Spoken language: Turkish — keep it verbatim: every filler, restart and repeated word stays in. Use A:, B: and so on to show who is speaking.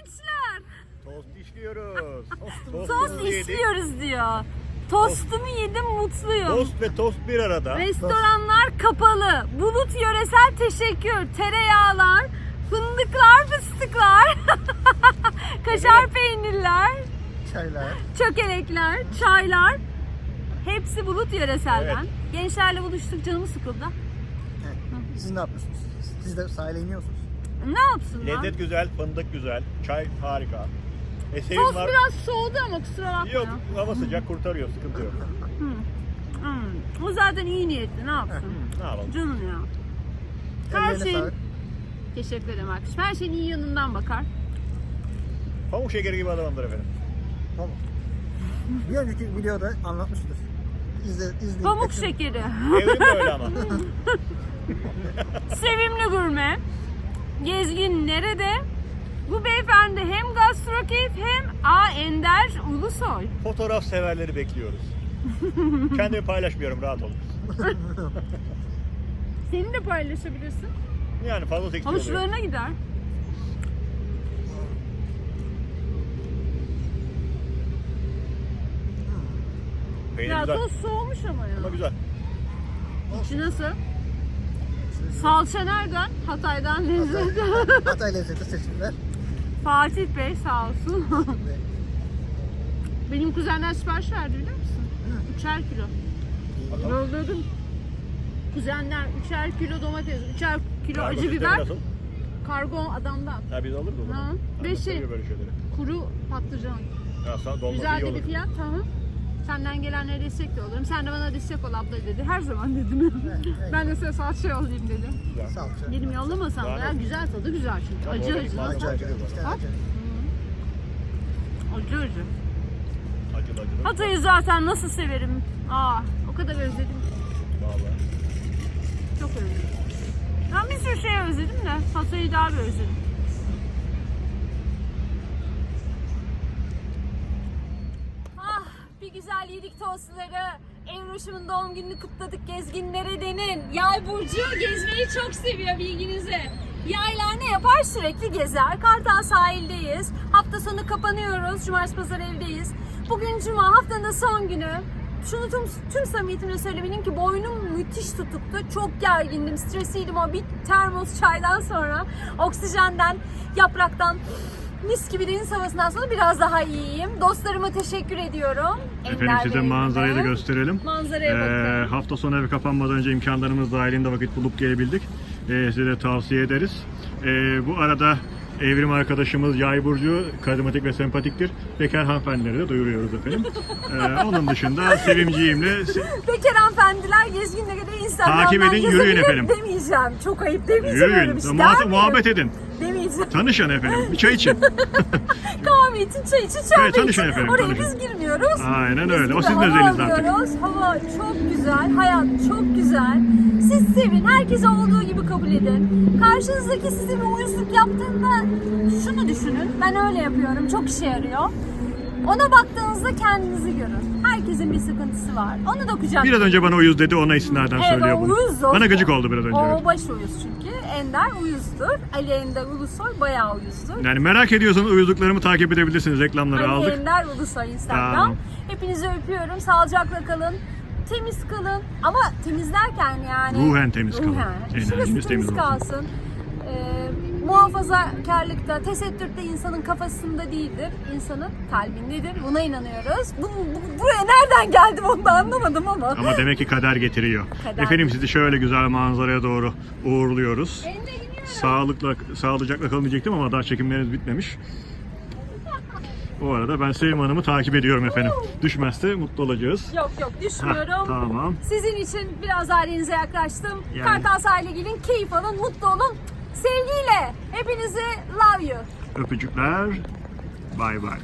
A: gençler?
B: Tost işliyoruz.
A: Tost işliyoruz diyor. Tostumu yedim, mutluyum.
B: Tost ve tost bir arada.
A: Restoranlar kapalı. Bulut yöresel teşekkür. Tereyağlar, fındıklar, fıstıklar, kaşar
B: Evet.
A: peynirler,
C: Çaylar.
A: çökelekler, çaylar. Hepsi Bulut yöreselden.
B: Evet.
A: Gençlerle buluştuk, canımı sıkıldı.
C: Evet. Siz ne yapıyorsunuz? Siz de sahile iniyorsunuz.
A: Ne yapsınlar?
B: Lezzet güzel, fındık güzel, çay harika. E, sevim
A: Tost
B: var.
A: biraz soğudu ama kusura bakma.
B: Yok, hava sıcak kurtarıyor, sıkıntı yok.
A: Hmm. O zaten iyi niyetli, ne yapsın?
B: Ne yapalım?
A: Canım ya. Her
C: Ellerine
A: şeyin...
C: sağlık.
A: Teşekkür ederim arkadaşım. Her şeyin iyi yanından bakar.
B: Pamuk şekeri gibi adamdır efendim.
C: Tamam. Bir önceki videoda anlatmıştır. İzle, izleyin.
A: Pamuk
C: kaçın.
A: şekeri.
B: Evrim de öyle ama.
A: Sevimli gurme. Gezgin nerede? Bu beyefendi hem gastrokeyf hem A. Ender Ulusoy.
B: Fotoğraf severleri bekliyoruz. Kendimi paylaşmıyorum, rahat olun.
A: Seni de paylaşabilirsin.
B: Yani fazla seksi oluyor.
A: Hoşlarına gider.
B: Peynir
A: Ya
B: güzel.
A: toz soğumuş ama ya.
B: Ama güzel.
A: İçi nasıl? Salça nereden? Hatay'dan lezzet.
C: Hatay lezzeti seçimler.
A: Fatih Bey sağ olsun. Benim kuzenler sipariş verdi biliyor musun? Üçer kilo.
B: Bakalım.
A: Yolladım. Kuzenler üçer kilo domates, üçer kilo
B: Kargo
A: acı
B: sistemi
A: biber.
B: nasıl?
A: Kargo adamdan.
B: Ha biz alırız o zaman.
A: Ha,
B: Ben
A: beş
B: de
A: şey.
B: seviyor böyle şeyleri.
A: Kuru patlıcan.
B: Ya sana dolması
A: Güzel
B: iyi
A: de
B: olur.
A: bir fiyat tamam. Senden gelenlere destek de olurum. Sen de bana destek ol abla dedi. Her zaman dedim.
C: evet.
A: Ben de size salça yollayayım dedim.
B: Güzel.
C: Salça.
A: Dedim yollamasam da
B: Daha
A: ya
B: ne?
A: güzel tadı güzel çünkü.
B: Tabii
A: Acı
B: organik
A: acı.
B: malzeme.
C: Acı acı. iki tane
A: Ha?
C: acı.
A: Acı acı.
B: Acılı acılı.
A: Hatay'ı zaten nasıl severim. Aa, o kadar özledim. ki.
B: Vallahi.
A: Çok özledim. Ben bir sürü şey özledim de Hatay'ı daha bir özledim. Ah, bir güzel yedik tostları. Evroş'umun doğum gününü kutladık gezginlere denin. Yay burcu gezmeyi çok seviyor bilginize. Yaylar ne yapar? Sürekli gezer. Kartal sahildeyiz. Hafta sonu kapanıyoruz. Cumartesi pazar evdeyiz. Bugün cuma, haftanın son günü. Şunu tüm, tüm samimiyetimle söylemeliyim ki boynum müthiş tutuktu. Çok gergindim, stresliydim o bir termos çaydan sonra. Oksijenden, yapraktan, mis gibi deniz havasından sonra biraz daha iyiyim. Dostlarıma teşekkür ediyorum.
D: Efendim
A: Ender
D: size
A: Bey'ime
D: manzarayı da
A: de.
D: gösterelim.
A: Manzaraya
D: Ee,
A: bakın.
D: hafta sonu evi kapanmadan önce imkanlarımız dahilinde vakit bulup gelebildik. Ee, size de tavsiye ederiz. Ee, bu arada Evrim arkadaşımız Yay burcu karizmatik ve sempatiktir. Bekar hanımefendileri de duyuruyoruz efendim. Ee, onun dışında sevimciğimle se-
A: Bekar hanımefendiler gezginle göre Instagram'dan
D: Takip edin, yürüyün
A: yazabilir
D: efendim.
A: Demeyeceğim. Çok ayıp demeyeceğim. öyle
D: yürüyün,
A: bir şey.
D: muha-
A: Der miyim?
D: muhabbet edin.
A: Demeyeceğim.
D: Tanışın efendim, bir çay için.
A: Kahve için, çay için, çorba
D: Evet, tanışın
A: için.
D: efendim,
A: Oraya
D: tanışın.
A: biz girmiyoruz.
D: Aynen
A: Biz
D: öyle. O
A: burada
D: sizin
A: hava
D: özeliniz artık.
A: alıyoruz. Hava çok güzel, hayat çok güzel. Siz sevin, herkese olduğu gibi kabul edin. Karşınızdaki size bir uyuzluk yaptığında şunu düşünün. Ben öyle yapıyorum, çok işe yarıyor. Ona baktığınızda kendinizi görün. Herkesin bir sıkıntısı var. Onu da kucaklayın.
D: Biraz önce bana uyuz dedi, ona istinaden
A: Evet,
D: söylüyor
A: o
D: bunu.
A: uyuz o.
D: Bana gıcık oldu biraz önce.
A: O baş uyuz çünkü. Ender uyuzdur. Ali Ender Ulusoy bayağı uyuzdur.
D: Yani merak ediyorsanız uyuzluklarımı takip edebilirsiniz. Reklamları
A: Ali
D: aldık.
A: Ender Ulusoy Instagram.
D: Tamam.
A: Hepinizi öpüyorum. Sağlıcakla kalın. Temiz kalın. Ama temizlerken yani.
D: Ruhen temiz kalın.
A: Ruhen.
D: Enerjiniz
A: Şurası temiz,
D: temiz olsun.
A: kalsın. Ee, muhafazakarlıkta, tesettürde insanın kafasında değildir. İnsanın kalbindedir. Buna inanıyoruz. Bu, bu- buraya nereden geldim onu da anlamadım ama.
D: Ama demek ki kader getiriyor.
A: Kader.
D: Efendim sizi şöyle güzel manzaraya doğru uğurluyoruz.
A: Ben de iniyorum.
D: Sağlıkla, sağlıcakla kalın diyecektim ama daha çekimleriniz bitmemiş. O arada ben Sevim Hanım'ı takip ediyorum efendim. Düşmezse mutlu olacağız.
A: Yok yok düşmüyorum.
D: Hah, tamam.
A: Sizin için biraz daha denize yaklaştım.
D: Yani.
A: Kartal sahile gelin, keyif alın, mutlu olun. Sevgiyle hepinizi love you.
D: Öpücükler. Bay bay.